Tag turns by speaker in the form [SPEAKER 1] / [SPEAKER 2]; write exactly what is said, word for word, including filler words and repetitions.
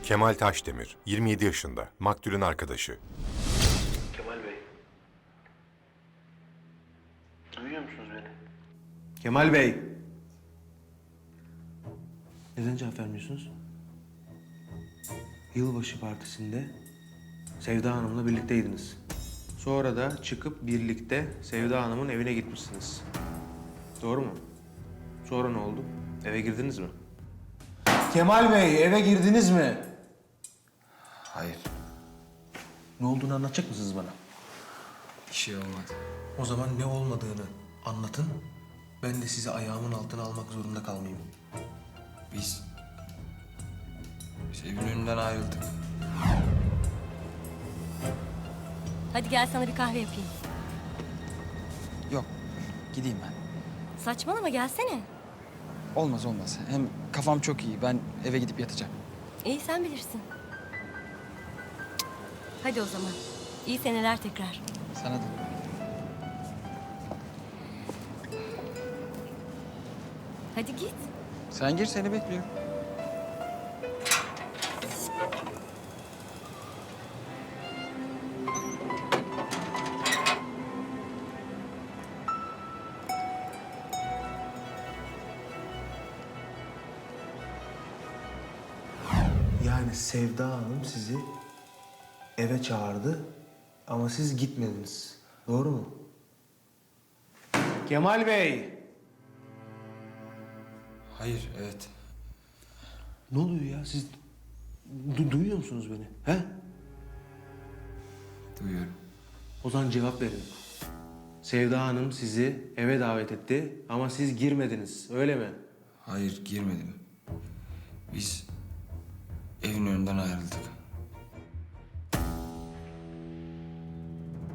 [SPEAKER 1] Kemal Taşdemir, yirmi yedi yaşında, maktulün arkadaşı.
[SPEAKER 2] Kemal Bey. Duyuyor musunuz beni?
[SPEAKER 3] Kemal Bey. Neden cevap vermiyorsunuz? Yılbaşı partisinde Sevda Hanım'la birlikteydiniz. Sonra da çıkıp birlikte Sevda Hanım'ın evine gitmişsiniz. Doğru mu? Sonra ne oldu? Eve girdiniz mi? Kemal Bey, eve girdiniz mi?
[SPEAKER 4] Hayır,
[SPEAKER 3] Ne olduğunu anlatacak mısınız bana?
[SPEAKER 4] bir şey olmadı.
[SPEAKER 3] O zaman ne olmadığını anlatın. Ben de sizi ayağımın altına almak zorunda kalmayayım.
[SPEAKER 4] Biz Sevin önünden ayrıldık.
[SPEAKER 5] Hadi gel sana bir kahve yapayım.
[SPEAKER 6] Yok, gideyim ben.
[SPEAKER 5] Saçmalama gelsene.
[SPEAKER 6] Olmaz olmaz. Hem kafam çok iyi. Ben eve gidip yatacağım.
[SPEAKER 5] İyi sen bilirsin. Hadi o zaman. İyi seneler tekrar.
[SPEAKER 6] Sana da.
[SPEAKER 5] Hadi git.
[SPEAKER 6] Sen gir, seni bekliyorum.
[SPEAKER 3] Yani Sevda Hanım sizi eve çağırdı ama siz gitmediniz. Doğru mu? Kemal Bey!
[SPEAKER 4] Hayır, evet.
[SPEAKER 3] Ne oluyor ya? Siz du- duyuyor musunuz beni? He?
[SPEAKER 4] Duyuyorum.
[SPEAKER 3] O zaman cevap verin. Sevda Hanım sizi eve davet etti ama siz girmediniz. Öyle mi?
[SPEAKER 4] Hayır, girmedim. Biz evin önünden ayrıldık.